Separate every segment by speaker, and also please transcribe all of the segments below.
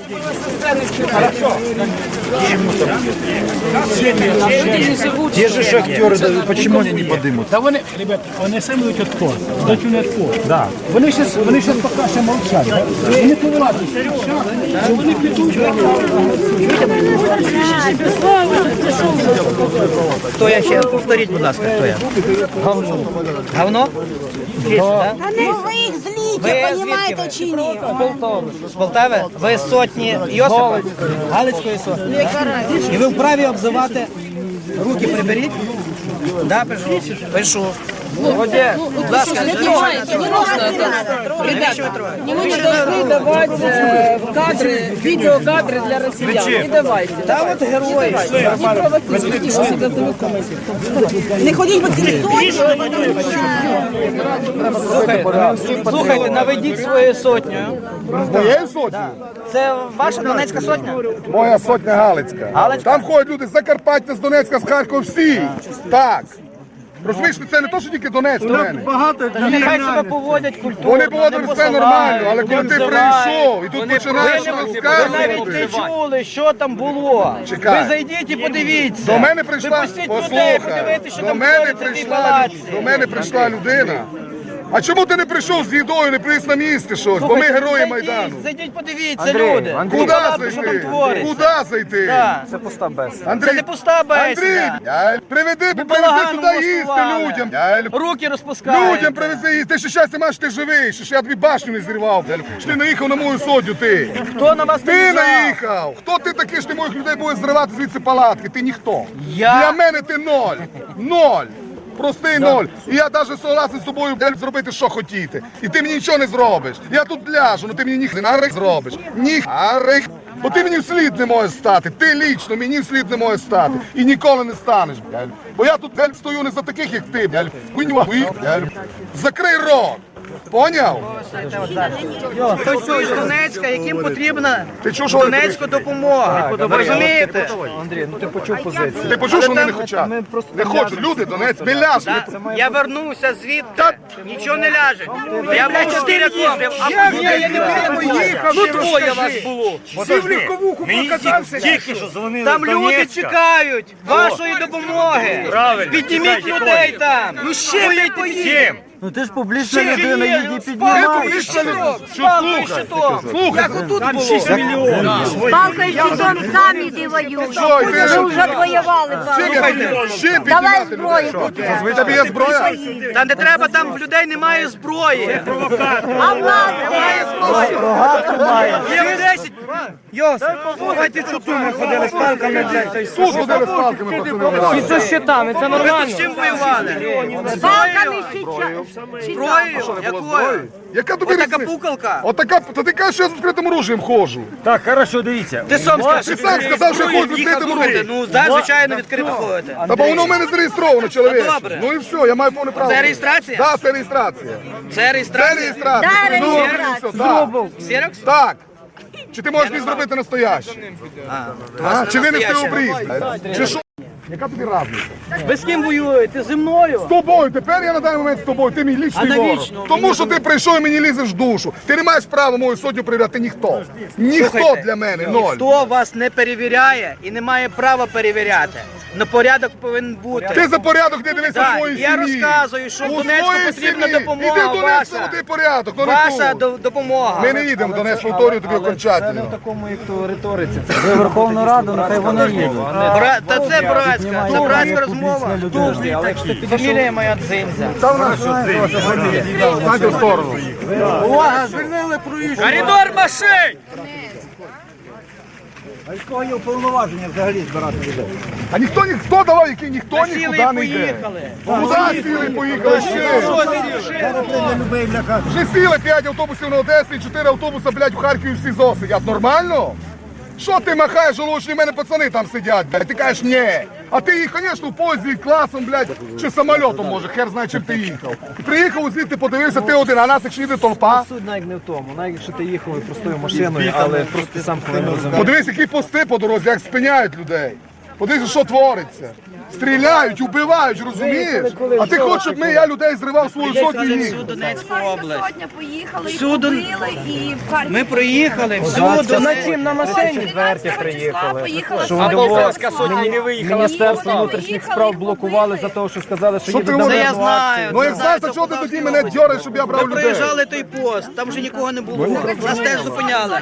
Speaker 1: Те же шахтеры, почему они не подымутся?
Speaker 2: Та вони, ребята, вони самі йдуть відпор, йдуть у відпор. Да. Вони щас поки що мовчать. Да? Вони повилазять. Вони підуть.
Speaker 3: Хто я ще? Повторіть, будь ласка, хто я? Говно?
Speaker 4: Та ну ви їх зліте, розумієте чи ні?
Speaker 3: З Полтави? Ви з сотні Йосипа? Галицької сотні. І ви вправі обзивати? Руки приберіть? Да, пишу. Пишу. Будь ласка,
Speaker 4: Не трогайте, не трогайте.
Speaker 5: Не должны давать кадры, видеокадры для россиян. Не давайте.
Speaker 3: Та от герої.
Speaker 5: Не провоцируйте, что всегда
Speaker 4: Не ходіть по цій
Speaker 3: Слухайте, наведіть свою сотню.
Speaker 6: Моєю сотнею?
Speaker 3: Це ваша Донецька сотня?
Speaker 6: Моя сотня Галицька.
Speaker 3: Галицька?
Speaker 6: Там ходять люди з Закарпаття, з Донецька, з Харкова, всі. Так. Розумієш, це не то, що тільки Донецьк в мене.
Speaker 3: Нехай себе поводять культурно.
Speaker 6: Вони поводили все нормально, але коли ти прийшов і тут починаєш
Speaker 3: Ви навіть
Speaker 6: розказувати.
Speaker 3: не чули, що там було.
Speaker 6: Чекай.
Speaker 3: Ви зайдіть і подивіться.
Speaker 6: До мене прийшла,
Speaker 3: Випустіть людей,
Speaker 6: послухай,
Speaker 3: подивитися, що
Speaker 6: до
Speaker 3: там
Speaker 6: мене
Speaker 3: твориться в цій палаці.
Speaker 6: прийшла людина. А чому ти не прийшов з їдою, не приніс на місце щось? Бо ми герої Майдану.
Speaker 3: Зайдіть, подивіться, люди.
Speaker 6: Куди
Speaker 3: Палатку, що там
Speaker 6: зайти?
Speaker 3: твориться.
Speaker 6: Куди зайти?
Speaker 3: Так.
Speaker 1: Це пуста беседа.
Speaker 6: Андрій,
Speaker 3: Це не пуста бесіда.
Speaker 6: Андрій, привези
Speaker 3: балаганом
Speaker 6: сюди їсти
Speaker 3: влаштували.
Speaker 6: людям.
Speaker 3: Руки розпускають.
Speaker 6: Людям привези їсти. Ти ще щастя маєш, ти живий, що ж я тобі башню не зірвав. Що ти наїхав на мою сотню, ти.
Speaker 3: Хто на вас
Speaker 6: Ти
Speaker 3: наїжджав?
Speaker 6: наїхав! Хто ти такий, що ти моїх людей будеш зривати звідси палатки? Ти ніхто.
Speaker 3: Я?
Speaker 6: Для мене ти ноль. Ноль. Простий ноль. І я навіть согласен з тобою зробити, що хотіти. І ти мені нічого не зробиш. Я тут ляжу, але ти мені ніхто не зробиш. Ніхто. Бо ти мені вслід не можеш стати. Ти лічно мені вслід не можеш стати. І ніколи не станеш. Бо я тут стою не за таких, як ти. Закрий рот. Поняв?
Speaker 3: Хтось з Донецька, яким потрібна
Speaker 6: Ти чув, що
Speaker 3: Донецька допомога. Ви розумієте?
Speaker 1: Андрій, ну ти почув позицію.
Speaker 6: Ти почув, що вони не хочуть? Не хочуть. Люди, Донець, не ляжуть.
Speaker 3: Я вернувся звідти, нічого не ляже. Я був 4 роки, а я не
Speaker 2: Їхав,
Speaker 3: ну двоє вас було.
Speaker 2: Всі в легковуху покатався.
Speaker 7: Тільки що дзвонили
Speaker 3: Там
Speaker 7: з
Speaker 3: люди
Speaker 7: Донецька.
Speaker 3: чекають вашої допомоги.
Speaker 7: Правильно.
Speaker 3: Підніміть людей там. Ну ще не
Speaker 7: Чим?
Speaker 1: Ну ти ж публічна людина, її
Speaker 3: Спалкою
Speaker 1: піднімаєш.
Speaker 3: щитом.
Speaker 6: Слухай,
Speaker 3: Як отут було.
Speaker 4: Палкою щитом самі ти воюють.
Speaker 6: Що, ти
Speaker 4: Ми вже воювали.
Speaker 6: ще
Speaker 4: Давай
Speaker 6: піднімати
Speaker 4: зброю
Speaker 6: людей.
Speaker 4: поки.
Speaker 6: Ви тобі є зброя?
Speaker 3: Та не треба, там в людей немає зброї.
Speaker 4: А в нас немає зброї.
Speaker 3: Є 10. Йос, давайте чуту ми ходили з палками.
Speaker 6: Тут ходили з палками, пацани.
Speaker 5: Со щитами, це
Speaker 3: Ви тут
Speaker 5: нормально.
Speaker 3: з чим воювали?
Speaker 4: З палками
Speaker 3: Зброєю? Якою?
Speaker 6: Яка тобі
Speaker 3: Отака
Speaker 6: різниця?
Speaker 3: пукалка.
Speaker 6: Отака, та ти кажеш, що я з відкритим оружієм ходжу.
Speaker 7: Так, хорошо, дивіться.
Speaker 3: Ти сам скажеш.
Speaker 6: Ти сам сказав, що я ходжу з відкритим оружієм.
Speaker 3: Ну, так, звичайно, відкрито ходите.
Speaker 6: Та бо воно в мене зареєстровано, чоловік.
Speaker 3: добре.
Speaker 6: Ну і все, я маю повне право.
Speaker 3: Це реєстрація?
Speaker 6: Так, це реєстрація.
Speaker 3: Це
Speaker 6: Це
Speaker 3: реєстрація?
Speaker 6: реєстрація.
Speaker 4: Да,
Speaker 6: Ну,
Speaker 4: реєстрація.
Speaker 6: все, так.
Speaker 3: Ксерокс?
Speaker 6: Так. Чи ти можеш мені зробити настояще? А, чи ви не встиг обріз? Чи що? Яка тобі разниця?
Speaker 3: Ви з ким воюєте? Зі мною?
Speaker 6: З тобою, тепер я на даний момент з тобою, ти мій лічний ворог.
Speaker 3: навічно?
Speaker 6: Тому що ти прийшов і мені лізеш в душу. Ти не маєш права мою сотню перевіряти, ніхто. Ніхто
Speaker 3: Слухайте,
Speaker 6: для мене, ноль.
Speaker 3: Хто вас не перевіряє і не має права перевіряти? Но порядок повинен бути.
Speaker 6: Ти за порядок не дивися
Speaker 3: Так,
Speaker 6: в своїй
Speaker 3: я
Speaker 6: сім'ї.
Speaker 3: розказую, що в
Speaker 6: У
Speaker 3: Донецьку
Speaker 6: своїй
Speaker 3: потрібна
Speaker 6: сім'ї.
Speaker 3: допомога
Speaker 6: Іди в Донецьк,
Speaker 3: ваша.
Speaker 6: наведи порядок, но не
Speaker 3: Ваша
Speaker 6: тут.
Speaker 3: допомога.
Speaker 6: Ми не їдемо в Донецьк, повторюю тобі
Speaker 1: Це не
Speaker 6: окончательно.
Speaker 1: в такому, як то риториці. Це ви Верховну Раду, нехай вони їдуть.
Speaker 3: Та це братська, це братська розмова.
Speaker 1: Але якщо ти підійшов,
Speaker 3: Фамілія моя Дзинзя.
Speaker 6: Станьте в сторону.
Speaker 3: Коридор машин!
Speaker 6: А ніхто давав, який ніхто
Speaker 3: Сіли
Speaker 6: нікуди
Speaker 3: і
Speaker 6: не йде.
Speaker 3: поїхали.
Speaker 6: Куди сіли і поїхали ще? Вже сіли 5 автобусів на Одесу і 4 автобуси, блядь, в Харкові всі ЗО сидять. Нормально? Що ти махаєш, жалучні, в мене пацани там сидять, блядь. Ти кажеш, ні. А ти їх, звісно, в поїзді класом, блядь, чи самольотом, може, хер знає, чим ти їхав. Приїхав звідти, подивився, ти один, а нас якщо йде толпа.
Speaker 1: суть навіть не в тому. Навіть якщо ти їхав простою машиною, але просто ти сам повинен розуміти.
Speaker 6: Подивись, які пости по дорозі, як спиняють людей. Подивіться, що твориться. Стріляють, убивають, розумієш? А ти хочеш, щоб я людей зривав свою сотню і їх?
Speaker 3: Всю Донецьку область.
Speaker 4: Сотня поїхали,
Speaker 3: Всю Дон-
Speaker 4: побили і в Харків.
Speaker 3: Ми проїхали всю Донецьку.
Speaker 1: на машині.
Speaker 4: приїхали. Поїхала
Speaker 1: Полтавська
Speaker 7: сотня не виїхала.
Speaker 1: Міністерство внутрішніх справ блокували за те, що сказали, що
Speaker 6: Що
Speaker 1: їдуть
Speaker 6: ти
Speaker 1: на
Speaker 3: Це я
Speaker 1: воєнну
Speaker 3: знаю.
Speaker 1: акцію.
Speaker 6: Ну як знаєш, то чого ти тоді мене дьориш, щоб я брав
Speaker 3: Ми
Speaker 6: людей?
Speaker 3: проїжджали той пост, там вже нікого не було. Нас теж зупиняли.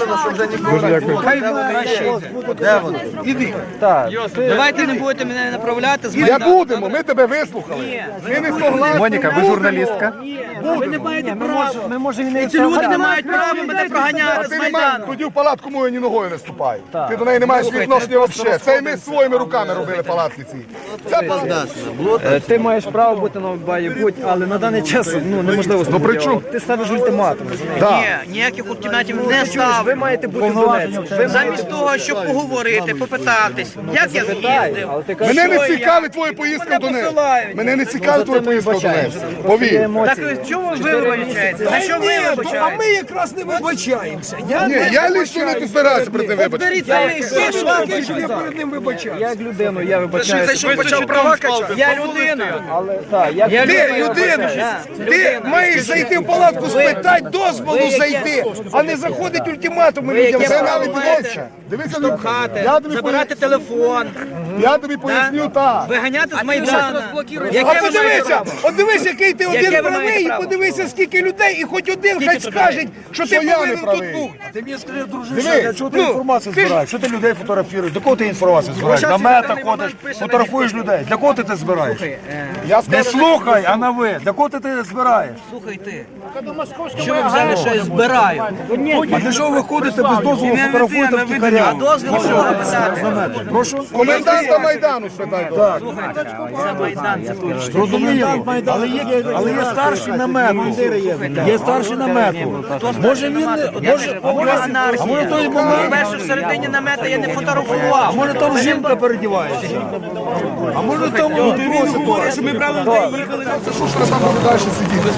Speaker 1: Так.
Speaker 3: Давайте не будете мене направляти з
Speaker 6: Я
Speaker 3: Майдану.
Speaker 6: будемо, ми тебе вислухали. Ми не согласні.
Speaker 7: Моніка, ви журналістка?
Speaker 3: Ви не маєте права.
Speaker 1: Ми можемо і не
Speaker 3: Ці люди не мають права мене
Speaker 6: А
Speaker 3: проганяти з
Speaker 6: ти не маєш,
Speaker 3: Майдану.
Speaker 6: тоді в палатку мою ні ногою не ступай. Ти до неї не маєш відношення взагалі. Це і ми своїми руками робили палатки ці. Це палатка.
Speaker 1: Ти маєш право бути на баї, але на даний час неможливо. Ну
Speaker 6: при чому?
Speaker 1: Ти ставиш ультиматум.
Speaker 6: Так.
Speaker 3: Ні, ніяких ультиматів не
Speaker 1: Ви
Speaker 3: ставлю.
Speaker 1: маєте бути в Донецьку.
Speaker 3: Замість того, щоб поговорити, попитатись, як я з'їздив.
Speaker 1: Але ти кажеш,
Speaker 6: Мене не
Speaker 3: Що я?
Speaker 6: цікавить твоя поїздка в Донецьк.
Speaker 3: посилають.
Speaker 6: Мене не цікавить твоя поїздка в Донецьк.
Speaker 1: є
Speaker 6: Повір.
Speaker 1: емоції.
Speaker 3: Так чому ви вибачаєте? За що ви вибачаєте?
Speaker 2: якраз не вибачаємося.
Speaker 6: Ні, я лично не збираюся перед ним вибачити.
Speaker 3: Беріть самі
Speaker 2: Таке, що я перед ним вибачаюся.
Speaker 1: Як людину, я вибачаюся.
Speaker 3: почав права качати. Я людина.
Speaker 1: Але так, як
Speaker 3: Я
Speaker 2: Людина, ти маєш зайти в палатку, спитати дозволу зайти, а не заходить ультиматуми людям.
Speaker 6: Це
Speaker 3: Яке
Speaker 6: навіть
Speaker 3: право
Speaker 6: більше. Дивися, я
Speaker 3: Хати,
Speaker 6: тобі
Speaker 3: забирати телефон,
Speaker 6: Я тобі поясню так.
Speaker 3: виганяти з Майдану.
Speaker 2: А
Speaker 3: Яке ви маєте
Speaker 2: подивися,
Speaker 3: право?
Speaker 2: от дивись, який ти
Speaker 3: Яке
Speaker 2: один
Speaker 3: ви
Speaker 2: правий,
Speaker 3: маєте
Speaker 2: і
Speaker 3: право?
Speaker 2: подивися, скільки людей, і хоч один хай
Speaker 3: тут
Speaker 2: скаже, що ти
Speaker 6: Що я не
Speaker 2: повинен тут
Speaker 6: правий?
Speaker 2: бути.
Speaker 8: Ти мені скажи, дружище,
Speaker 6: Дивись,
Speaker 8: для чого ти інформацію збираєш? Що ти людей фотографуєш? До кого ти інформацію збираєш? На мета ходиш, фотографуєш людей. Для кого ти це збираєш?
Speaker 6: Я
Speaker 8: Не
Speaker 6: скажу,
Speaker 8: слухай, а на ви. Для кого ти це збираєш?
Speaker 3: Слухай ти. Що ви взяли, що я збираю?
Speaker 8: А для чого ви ходите без дозволу фотографуєте
Speaker 3: А
Speaker 8: втікаря?
Speaker 3: дозвіл що написати?
Speaker 8: Прошу?
Speaker 6: коменданта Майдану спитай. Так.
Speaker 3: Це Майдан, це точно.
Speaker 8: Зрозуміло. Але є старший намету. Є старший намету. Може він не...
Speaker 3: А може
Speaker 8: той момент...
Speaker 3: перше в середині намета я не фотографував.
Speaker 8: А може там жінка передівається? А може там...
Speaker 3: Він говорить, що ми брали людей і їхали.
Speaker 6: Це що ж треба там буде далі сидіти?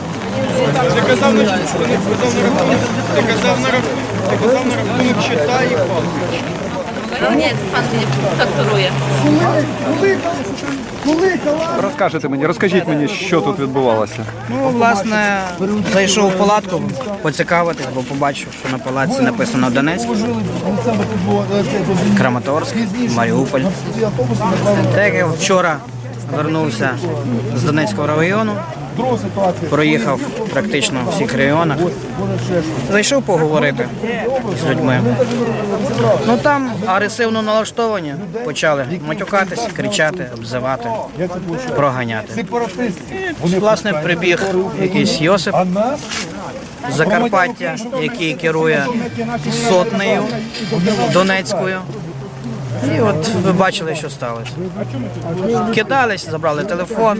Speaker 9: Ні, пан факторує.
Speaker 7: Розкажете мені, розкажіть мені, що тут відбувалося.
Speaker 3: Ну, власне, зайшов в палатку поцікавитись, бо побачив, що на палатці написано Донецьк, Краматорськ, Маріуполь. Так як я вчора вернувся з Донецького району, проїхав практично в всіх районах, зайшов поговорити з людьми. Ну там агресивно налаштовані, почали матюкатись, кричати, обзивати, проганяти. Власне, прибіг якийсь Йосип з Закарпаття, який керує сотнею Донецькою. І от ви бачили, що сталося. Кидались, забрали телефон,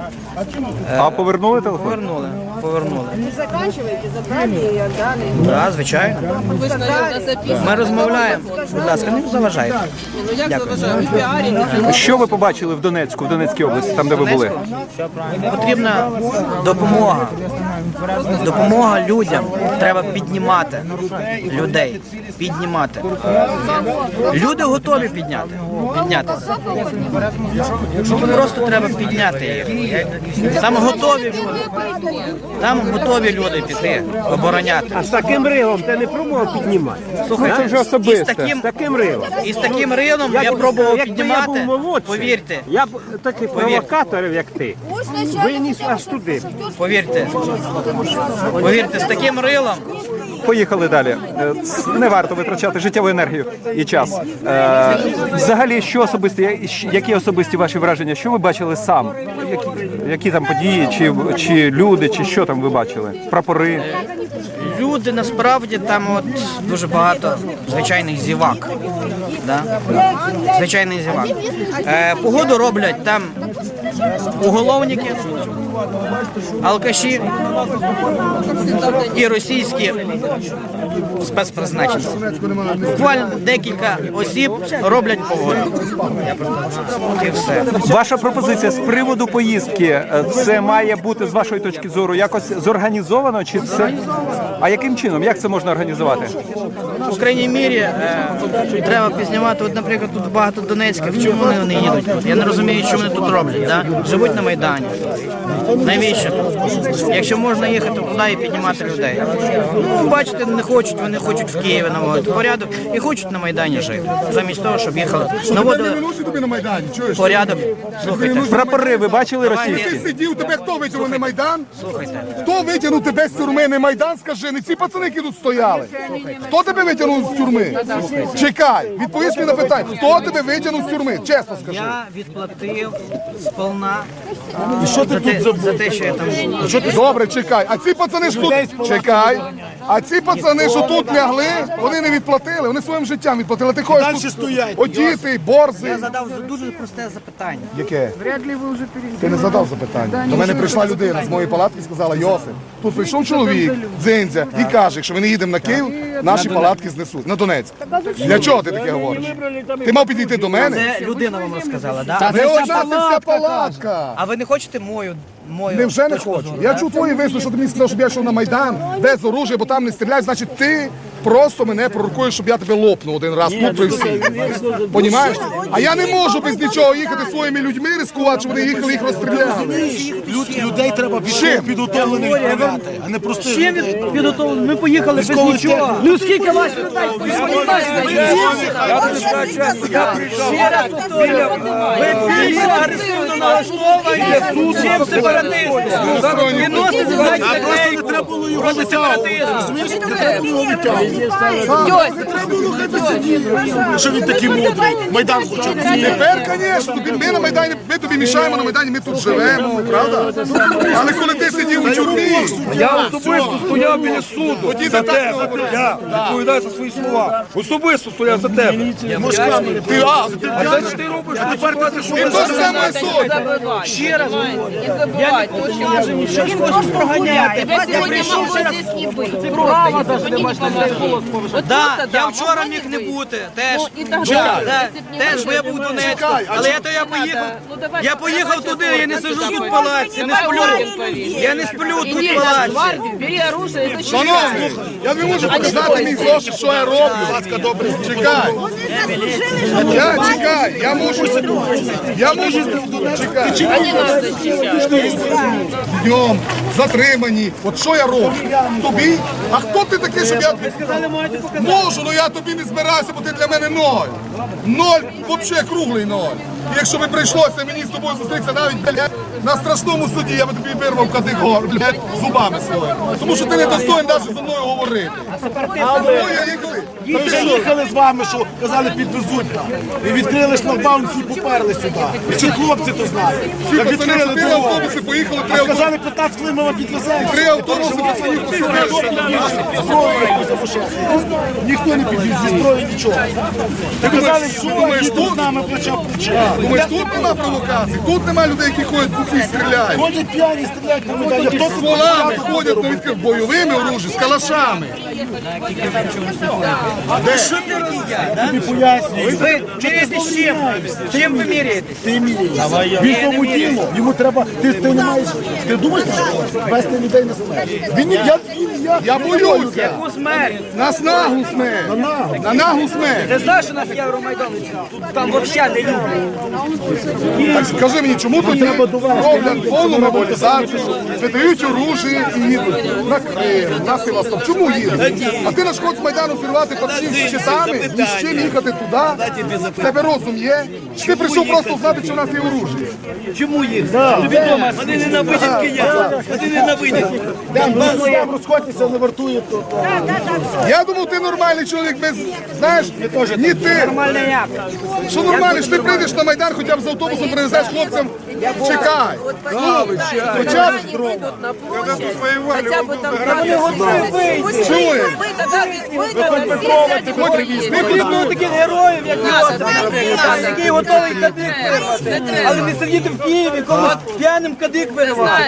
Speaker 7: А повернули телефон?
Speaker 3: повернули.
Speaker 4: Заканчивайте, забрали і далі.
Speaker 3: Так, звичайно.
Speaker 5: Ви ж на записі.
Speaker 3: Ми розмовляємо. Будь ласка, не заважайте.
Speaker 5: Ну як заважаю? Ви піарите.
Speaker 7: Що ви побачили в Донецьку, в Донецькій області, там де ви були?
Speaker 3: Потрібна допомога. Допомога людям. Треба піднімати людей. Піднімати. Люди готові піднятися. Просто треба підняти їх. Там готові люди. Там готові люди піти, обороняти.
Speaker 2: З таким рилом ти не пробував піднімати?
Speaker 3: Слухайте,
Speaker 7: це вже особисте.
Speaker 2: З таким рилом.
Speaker 3: І з таким рилом я пробував
Speaker 2: Якби я
Speaker 3: піднімати.
Speaker 2: був молодший,
Speaker 3: Повірте,
Speaker 2: я б таких провокаторів, як ти, виніс аж туди.
Speaker 3: повірте, з таким рилом.
Speaker 7: Поїхали далі. Не варто витрачати життєву енергію і час. Взагалі, що особисті, які особисті ваші враження? Що ви бачили сам? Які там події, чи люди, чи що там ви бачили? Прапори?
Speaker 3: Люди насправді там от дуже багато звичайних зівак. Да? Звичайних зівак. Погоду роблять там уголовники, алкаші і російські спецпризначенці. Буквально декілька осіб роблять погоду. І все.
Speaker 7: Ваша пропозиція з приводу поїздки, це має бути, з вашої точки зору, якось зорганізовано? Чи це? А яким чином? Як це можна організувати?
Speaker 3: У крайній мірі треба пізнавати, от, наприклад, тут багато донецьких, чому вони не їдуть? Я не розумію, що вони тут роблять. Да? Живуть на Майдані. Навіщо тут? Якщо можна їхати туди і піднімати людей. Ну, бачите, не хочуть, вони хочуть в Києві наводити порядок і хочуть на Майдані жити. Замість того, щоб їхали, наводили
Speaker 6: тобі на Майдані, чуєш?
Speaker 3: порядок. Слухайте,
Speaker 7: Прапори ви бачили
Speaker 6: Ти
Speaker 7: російські?
Speaker 6: сидів, тебе хто витягнув на Майдан?
Speaker 3: слухайте.
Speaker 6: Хто витягнув тебе з тюрми на Майдан, скажи, не ці пацани, які тут стояли. Хто тебе витягнув з тюрми? Чекай, відповість мені на питання. Хто тебе витягнув з тюрми? Чесно скажи.
Speaker 3: Я відплатив сполна
Speaker 8: Що ти тут забув?
Speaker 3: за те, що я там.
Speaker 6: Добре, чекай. А ці пацани ж тут... Чекай. А ці пацани, що тут лягли, вони не відплатили, вони своїм життям відплатили. Ти ходиш
Speaker 8: Далі
Speaker 6: тут
Speaker 8: стоять.
Speaker 6: одітий, борзий.
Speaker 3: Я задав дуже просте запитання.
Speaker 6: Яке? Ти не задав запитання. До мене прийшла людина з моєї палатки і сказала: Йосип, тут прийшов чоловік, дзиндзя, і каже, якщо ми не їдемо на Київ, наші палатки знесуть. На Donetsk. Для чого ти таке говориш? Ти мав підійти до мене?
Speaker 3: Це людина вам розказала, да?
Speaker 6: Не одна ця палатка.
Speaker 3: А ви не хочете мою
Speaker 6: Невже не
Speaker 3: точку
Speaker 6: хочу?
Speaker 3: зору,
Speaker 6: Я
Speaker 3: да?
Speaker 6: чув твої вислови, що ти мені сказав, щоб я йшов на Майдан без оружия, бо там не стріляють. Значить, ти просто мене пророкуєш, щоб я тебе лопнув один раз тут при всіх. Понімаєш? А я не можу без нічого їхати своїми людьми, ризикувати, щоб вони їхали, їх розстріляли.
Speaker 8: Людей треба підготовлених відправляти, а не простих людей.
Speaker 5: Підготовлено. Ми поїхали без нічого. Ну скільки вас людей? Ви агресивно налаштовані, чим сепаратисти. Відносите задні людей проти сепаратизму.
Speaker 8: Розумієш, не треба було витягувати. Не треба було хай би сиділи. Що він такий мудрий? Майдан хоче.
Speaker 6: Тепер, звісно, ми на Майдані, ми тобі мішаємо на Майдані, ми тут живемо, правда? Але коли ти сидів у тюрмі,
Speaker 10: Я особисто стояв біля суду
Speaker 6: тоді
Speaker 10: за
Speaker 6: ти так
Speaker 10: тебе.
Speaker 6: не говориш.
Speaker 10: Я відповідаю за свої слова. Особисто стояв за тебе.
Speaker 6: ти
Speaker 10: робиш? А тепер ти
Speaker 6: і то ж саме суть.
Speaker 5: Ще раз говорю. Я не хочу, що він когось проганяти. Я прийшов ще раз. Права завжди можна голос повишати.
Speaker 3: Да, я вчора міг не бути, теж. Теж, бо я був в Донецьку. Але я поїхав. Я поїхав туди, я не сиджу тут в палаці, не сплю. Я не сплю тут в палаці.
Speaker 5: Бери оружие і зачем.
Speaker 6: Шановні, я не можу показати мій зошит, що я роблю. Чекай. Я можу. Чекай. Днем, затримані. От що я роблю? Тобі? А хто ти такий, щоб я... Можу, але я тобі не збираюся, бо ти для мене ноль. Ноль, взагалі круглий ноль. І якщо би прийшлося мені з тобою зустрітися навіть, блядь, на страшному суді, я би тобі вирвав кадик гор, блядь, зубами своїми. Тому що ти не достоїн навіть зі мною говорити.
Speaker 8: Їхали з вами, що казали підвезуть. І відкрили шлагбаум, всі поперли сюди. І ці хлопці то знають.
Speaker 6: Всі
Speaker 8: Як
Speaker 6: пацани,
Speaker 8: відкрили
Speaker 6: три
Speaker 8: дорогу.
Speaker 6: автобуси поїхали,
Speaker 8: А сказали 15 хвилин ми вам підвеземо.
Speaker 6: три автобуси пацанів посадили.
Speaker 8: Ніхто не підвіз зі зброї нічого. Ти казали, що їдуть з нами плече в плече.
Speaker 6: Думаєш, тут нема провокацій, тут нема людей, які ходять бухі і стріляють.
Speaker 8: Ходять п'яні, стріляють на медалі. Хто
Speaker 6: З
Speaker 8: тут
Speaker 6: волами ходять на відкрив бойовими оружі, з калашами.
Speaker 8: тобі пояснює?
Speaker 3: Ви міряєтесь з чим? Чим ви міряєтесь?
Speaker 8: Ти міряєш. Він тому діло. Йому треба. Ти не маєш. Ти думаєш, що вести людей на смерть? Він
Speaker 6: Я боюся.
Speaker 3: Яку смерть?
Speaker 6: Нас наглу смерть. На наглу смерть.
Speaker 5: Ти знаєш, у нас Євромайдан? Там взагалі не люблять.
Speaker 6: Так скажи мені, чому тут роблять повну мобілізацію, видають оружие і їдуть на Крим, на Севастополь. Чому їдуть? А ти на шкод з Майдану зірвати пацанів з щитами, ні з чим їхати туди? В тебе розум є? Чи ти прийшов просто знати, що в нас є оружие?
Speaker 5: Чому їх? Тобі дома, вони ненавидять киян. Вони ненавидять.
Speaker 8: Там розходьтеся, не вартує то.
Speaker 6: Я думав, ти нормальний чоловік без, знаєш, ні ти.
Speaker 5: Нормальний як?
Speaker 6: Що нормально, що ти прийдеш на Майдан, хоча б з автобусом привезеш хлопцям Чекай.
Speaker 5: Хоча б вийдуть на площадь, хоча б там
Speaker 6: Чуєш?
Speaker 5: ми тоді всі
Speaker 1: Ми потрібно таких героїв, як який готовий кадик вирвати. Але не сидіти в Києві, комусь п'яним кадик виривати.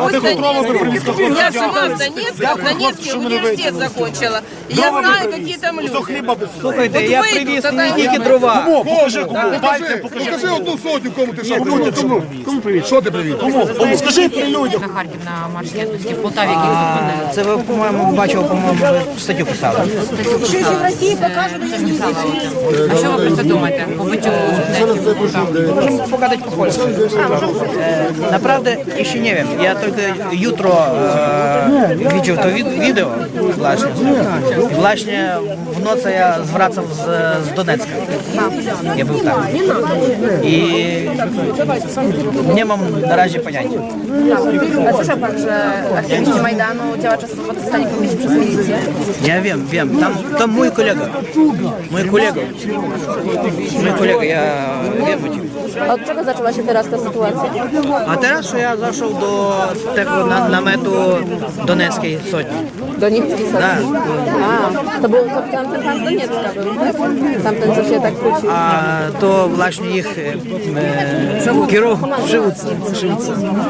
Speaker 5: Я сама в Донецкий университет закончила. И я знаю, какие там люди.
Speaker 3: Слухайте,
Speaker 5: От
Speaker 3: я
Speaker 5: вийду,
Speaker 3: привіз
Speaker 5: тоді
Speaker 3: не тільки
Speaker 5: люди.
Speaker 3: дрова.
Speaker 6: Покажи 1 сотню, кому ти що привіз. Кому привіз? Що ти привіз?
Speaker 8: Скажи при людях.
Speaker 9: На Харків на марш єдності в Полтаві, який зупинили.
Speaker 3: Це ви, по-моєму, бачив, по-моєму, ви статтю писали.
Speaker 4: Що якщо в Росії покажуть, то я ж не знаю.
Speaker 9: А що ви про це думаєте? Побиттю студентів?
Speaker 3: Можем pogadać po polsku. Naprawdę, jeśli nie wiem, ja tylko jutro widział to wideo właśnie. Właśnie w nocy ja zwracam z Donecka. Ja był tam. I nie mam na razie pojęcia.
Speaker 9: A słyszał pan, że aktywiści Majdanu, działacze swobody zostali pobici przez milicję?
Speaker 3: Ja wiem. Tam mój kolega. Ja wiem o tym.
Speaker 9: A od czego zaczęła się teraz ta sytuacja?
Speaker 3: A teraz ja zaszedł do tego namiotu Doneckiej Sotni.
Speaker 9: Doniecki sobie?
Speaker 3: Tak.
Speaker 9: A, to był tamten pan z Doniecka był, tak? Tamten, co się tak kłócił.
Speaker 3: A to właśnie ich kierowcy, przywódcy.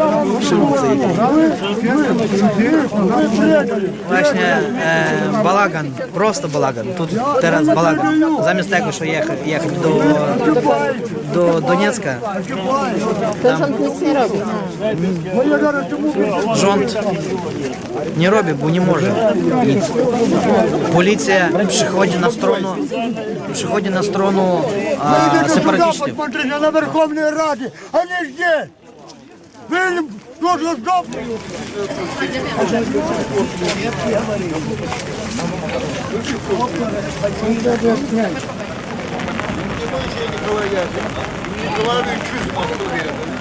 Speaker 3: Właśnie balagan, prosto balagan. Tu teraz balagan. Zamiast tego, że jechać do Doniecka,
Speaker 9: To rząd nic nie robi.
Speaker 3: rząd nie robi, bo nie może nic. Policja przychodzi na stronę separatystów.
Speaker 8: На Верховній Раді, а не здесь. Ви дуже здобні.
Speaker 6: Колеги,